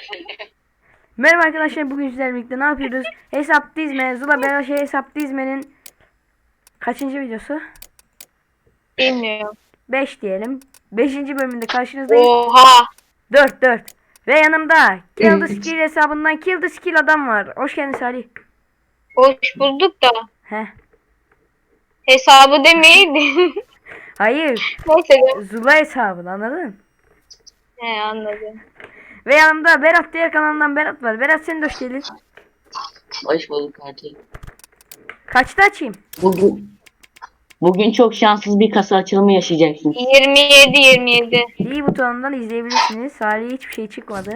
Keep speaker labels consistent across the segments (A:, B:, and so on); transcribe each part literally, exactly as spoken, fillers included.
A: Merhaba arkadaşlar, bugün sizlerle birlikte ne yapıyoruz? Hesap dizme, Zula Beraşe hesap dizmenin kaçıncı videosu?
B: Bilmiyorum.
A: beş diyelim. beşinci bölümünde karşınızdayız.
B: Oha.
A: dört dört. Ve yanımda Kill the Skill hesabından Kill the Skill adam var. Hoş geldin Salih.
B: Hoş bulduk da.
A: Heh.
B: Hesabı demeyin.
A: Hayır.
B: Neyse de.
A: Zula hesabını anladın?
B: He anladım.
A: Ve yanımda Berat, diğer kanalından Berat var. Berat, sen de hoş geldin.
C: Hoş bulduk kardeşim.
A: Kaçta açayım?
C: Bugün bugün çok şanssız bir kasa açılımı yaşayacaksın.
B: yirmi yedi yirmi yedi.
A: İyi butonundan izleyebilirsiniz. Salih'e hiçbir şey çıkmadı.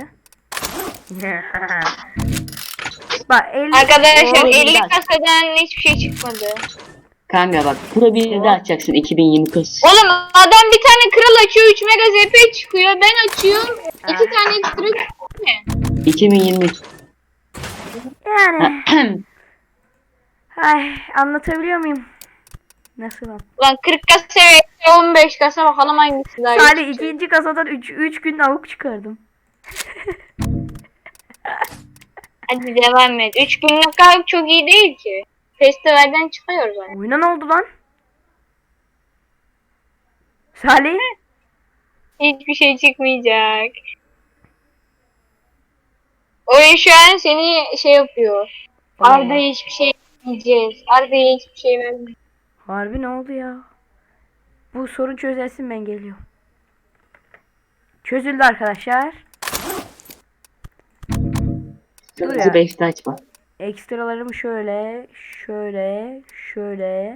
A: Bak elli.
B: Arkadaşlar
C: Oo,
B: elli
C: güzel.
B: kasadan hiçbir şey çıkmadı.
C: Kanka bak Pro bir'i de açacaksın iki bin yirmi kız.
B: Oğlum adam bir tane kral açıyor üç mega Z P çıkıyor. Ben açıyorum iki tane ekstra çıkıyor.
C: iki bin yirmi.
A: Yani. Ay, anlatabiliyor muyum? Nasıl lan?
B: Ulan kırk kasa ve on beş kasa bakalım hangisi daha
A: Salih
B: iyi.
A: ikinci kasadan üç gün avuk çıkardım.
B: Hadi devam et. üç günlük kalp çok iyi değil ki. Festivalden çıkıyoruz yani.
A: Oyuna ne oldu lan? Salih?
B: Hiçbir şey çıkmayacak. Oyun şu an seni şey yapıyor.
A: Allah.
B: Arda'ya hiçbir şey vermeyeceğiz. Arda'ya hiçbir şey vermeyeceğiz.
A: Harbi ne oldu ya? Bu sorun çözülsün, ben geliyorum. Çözüldü arkadaşlar. Dur ya.
C: Kırmızı beşte açma.
A: Ekstralarımı şöyle, şöyle, şöyle.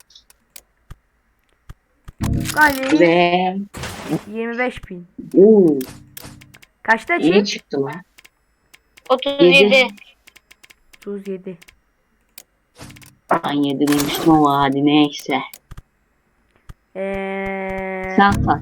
A: Galiba
C: Ve
A: yirmi beş bin.
C: uuu
A: Kaçta
C: iyi
A: açayım?
C: çıktı lan.
B: otuz yedi.
A: otuz yedi.
C: Ben yedi demiştim ama hadi neyse.
A: Eee...
C: Sen saç.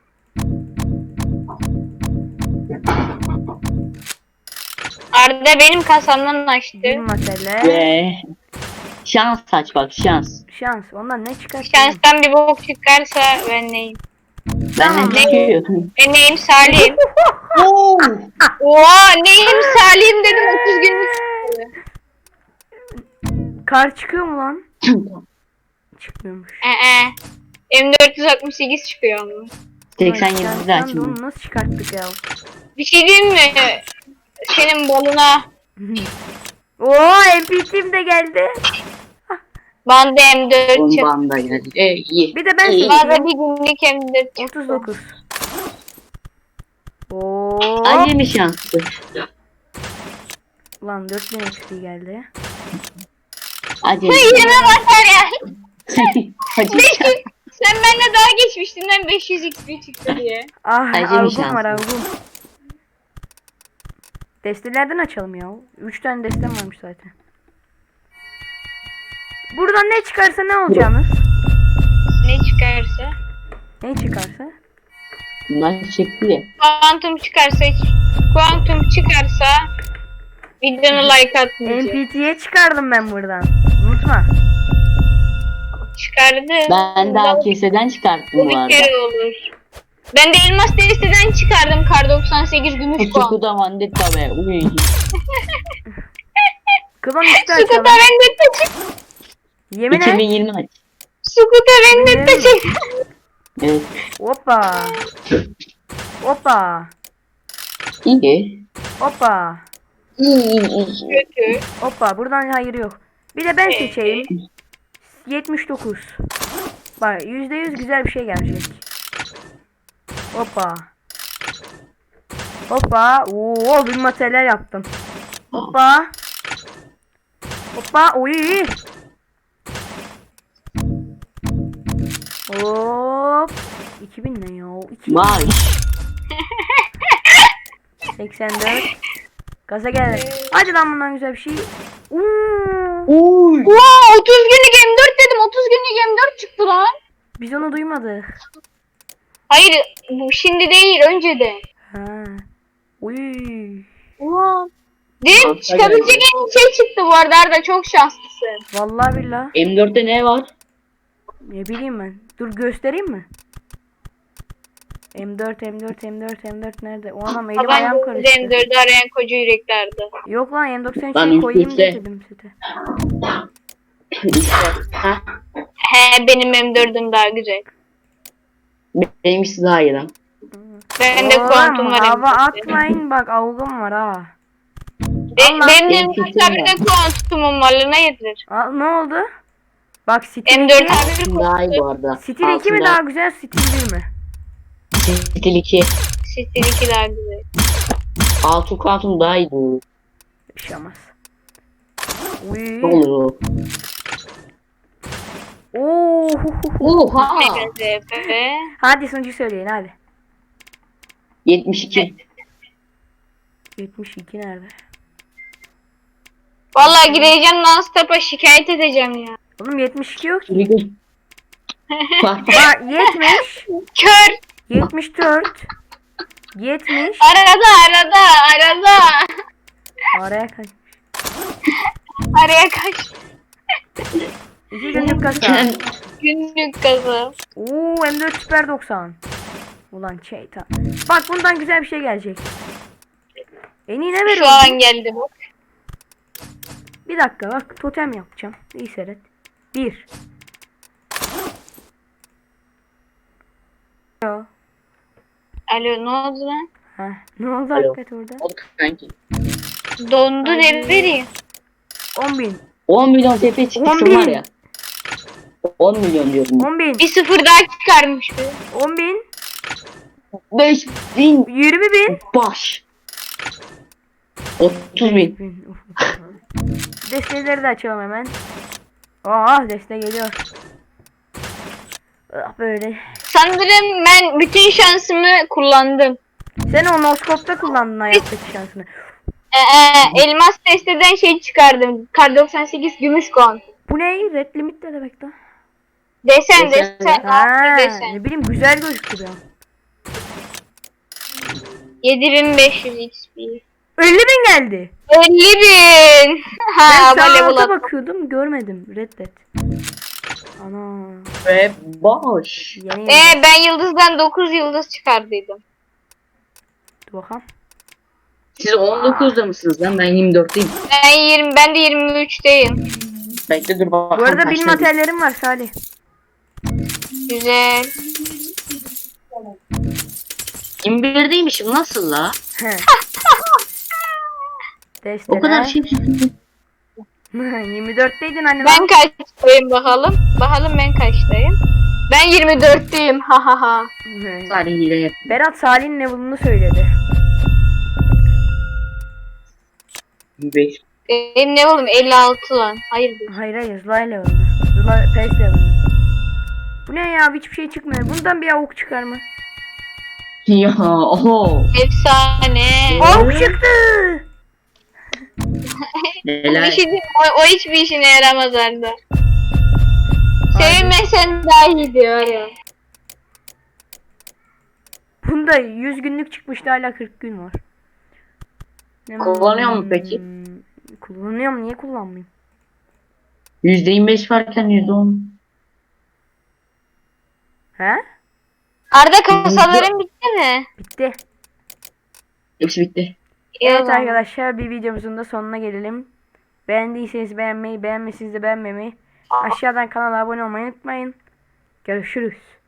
B: Arda benim kasamdan açtı.
A: Bir mesele.
C: Ve şans saç bak şans.
A: Şans. Ondan ne çıkar?
B: Şanstan bir bok çıkarsa ben neyim?
C: Benden
A: Tamam.
C: çıkıyor.
B: Ben neyim Salim.
C: Oo.
B: Oha neyim Salim dedim otuz günlük çıktı.
A: Kar çıkıyor mu lan? Çıkmıyormuş.
B: Ee, M dört yüz altmış sekiz çıkıyor ama.
C: seksen
A: Ay,
C: yedide
A: şanstan da
C: açma.
A: onu nasıl çıkarttık ya?
B: Bir şey diyeyim mi? Senin balına
A: Oo, M P T'm de geldi.
B: banda M dört çıktı.
C: Bomban da geldi. E, iyi.
A: Bir de ben
C: İyi.
B: Bana bir günlük M dört çıktı.
A: otuz dokuz. Oo.
C: Acemi şanslı.
A: Ulan dört bin X P geldi.
C: Acemi.
B: Yirmi basar ya.
C: Acemi
B: beş yüz.
C: şans.
B: Sen benimle daha geçmiştin lan beş yüz X P çıktı diye.
A: Ah,
C: Acemi
A: algım
C: şansı.
A: var algım. Destelerden açalım ya. üç tane destem varmış zaten. Buradan ne çıkarsa ne olacağını?
B: Ne çıkarsa?
A: Ne çıkarsa?
C: Bunlar çıktı ya.
B: Kuantum çıkarsa hiç. Kuantum çıkarsa videonu like atmayacağım.
A: M P T'ye çıkardım ben buradan. Unutma.
B: Çıkardı.
C: Ben daha keseden çıkarttım
B: Bu
C: bu
B: bir
C: arada.
B: kere olur. Ben de elmas desteden çıkardım kar doksan sekiz gümüş puan.
C: Sukuda Vandetta be. Uy.
A: Klon üstü
B: Sukuta
A: açalım.
B: Vendetta çık.
A: Yemin et.
C: iki bin yirmi aç.
B: Sukuta Vendetta
A: Yemin
B: çık.
C: Evet.
A: Hoppa. Hoppa.
C: İyi.
A: Hoppa.
C: İyi iyi iyi.
B: Kötü.
A: Hoppa. Buradan hayır yok. Bir de ben seçeyim. yetmiş dokuz. Bak yüzde yüz güzel bir şey gelecek. Hoppa. Hoppa. Oo, bir materyal yaptım. Hoppa. Hoppa. Oy. Hop. iki bin ne ya? iki bin.
C: Vay.
A: seksen dört. Gaza geldi. Hadi lan bundan güzel bir şey. Uuu.
C: Uy.
B: Wow, otuz günlük M dört dedim. otuz günlük M dört çıktı lan.
A: Biz onu duymadık.
B: Hayır, bu şimdi değil, önce de.
A: Ha. Uy.
B: Wow. Değil, çıkabilecek en iyi şey çıktı bu arada Arda, çok şanslısın.
A: Vallahi billah.
C: M dörtte ne var?
A: Ne bileyim ben. Dur göstereyim mi? M dört M dört M dört M dört nerede? O anam elim ayağım
B: Tabanca
A: karıştı.
B: M dördü arayan koca yüreklerdi.
A: Yok lan M doksan
C: Lan
A: şey koyayım
C: üstte.
A: dedim sete.
C: Ha?
B: He benim M dördüm daha güzel.
C: Benimkisi daha iyi lan.
B: Ben de kuantum
A: Oğlum
B: var.
A: hava
B: M dörtte.
A: atmayın bak avgım var ha.
B: Ben,
A: Allah.
B: benim
C: Benim
B: M dört
C: fikrim
B: abi
C: var.
B: de kuantumum var. Ne yedirir?
A: Aa, ne oldu? Bak Stil
B: M dört
A: iki,
B: abi bir
C: Daha iyi bu
B: kuantum.
C: arada.
A: Stil iki mi
C: Altında
A: daha güzel Stil bir mi?
C: Stil iki.
B: Stil iki daha güzel.
C: Altı kuantum daha iyi. bu.
A: Bir şey olmaz. Uy.
C: Ne olur o?
A: Oo.
C: Oha.
B: Mega Z P.
A: Hadi sonucu söyleyin hadi.
C: yetmiş iki.
A: yetmiş iki nerede?
B: Vallahi gireceğim non-stop'a şikayet edeceğim ya.
A: Oğlum yetmiş iki yok ki.
C: Yürü. Bak bak.
A: Bak yetmiş,
B: Kör.
A: yetmiş dört, yetmiş.
B: Arada arada arada.
A: Araya kaç?
B: Araya kaç.
A: İki günlük kasa.
B: Günlük kazı.
A: Oo M dört Süper doksan. Ulan şeytan. Bak bundan güzel bir şey gelecek. En iyi ne
B: Şu
A: veriyor?
B: an geldi bu.
A: Bir dakika bak totem yapacağım. İyi seyret. Bir. Yo.
B: Alo ne oldu lan?
A: Heh, ne oldu
C: Alo.
A: hakikaten orada?
C: Oldu kanki.
B: Dondu
A: Ay.
B: ne vereyim?
A: on bin.
C: on milyon T P
A: on
C: çıkmışım
A: bin.
C: var ya. on milyon diyorum.
A: on bin.
B: Bir sıfır daha çıkarmış be.
A: on bin.
C: beş bin
A: yirmi bin.
C: baş. otuz bin.
A: bin. Uf, uf. Desteleri de açalım hemen. Aa deste geliyor. Ah böyle.
B: Sanırım ben bütün şansımı kullandım.
A: Sen o noskopta kullandın hayattaki şansını.
B: Ee, elmas testeden şey çıkardım. Kar doksan sekiz gümüş kon.
A: Bu ne? Red limit ne demek lan?
B: Desen
C: Desen.
B: desen.
A: Ha,
B: Altı desen.
A: ne bileyim güzel gözüküyor.
B: yedi bin beş yüz X P.
A: elli bin geldi.
B: elli bin. Ha,
A: Ben
B: ama
A: sağ
B: level
A: alta
B: up.
A: bakıyordum görmedim. Reddet. Ana.
C: Ve boş.
A: Yeni
B: Ee,
A: yıldız.
B: ben yıldızdan dokuz yıldız çıkardıydım.
A: Dur bakalım.
C: Siz on dokuzda mısınız lan? Ben yirmi dörtteyim.
B: Ben yirmi ben de yirmi üçteyim.
C: Bekle dur bakalım.
A: Bu arada bilim
C: kaçtayım.
A: materyallerim var Salih.
B: Güzel.
C: yirmi birdeymişim nasıl la?
A: He. Desteler.
C: O kadar şey çıktı.
A: yirmi dörtteydin anne.
B: Ben kaçtayım bakalım. Bakalım ben kaçtayım. Ben yirmi dörtteyim. Ha ha ha.
A: Hı.
C: Sadece hile yap.
A: Berat Salih'in level'ını söyledi.
C: yirmi beş.
B: Benim ne oğlum elli altı lan. Hayır değil.
A: Hayır hayır Zlay level'ını. Zlay P E S level'ını. Bu ne ya hiçbir şey çıkmıyor. Bundan bir avuk çıkar mı?
C: Ya oho.
B: Efsane.
A: Avuk çıktı.
C: Helal.
B: Bir şey değil, o, o hiçbir işine yaramaz Arda. Sevinmesen daha iyi diyor ya.
A: Bunda yüz günlük çıkmıştı hala kırk gün var. Hmm,
C: Kullanıyor mu peki?
A: Kullanıyorum niye kullanmayayım?
C: yüzde yirmi beş varken yüzde on.
A: He?
B: Arda kasaların bitti mi?
A: Bitti.
C: Hepsi bitti.
A: Evet
B: Yok.
A: arkadaşlar bir videomuzun da sonuna gelelim. Beğendiyseniz beğenmeyi, beğenmediyseniz de beğenmemeyi, aşağıdan kanala abone olmayı unutmayın. Görüşürüz.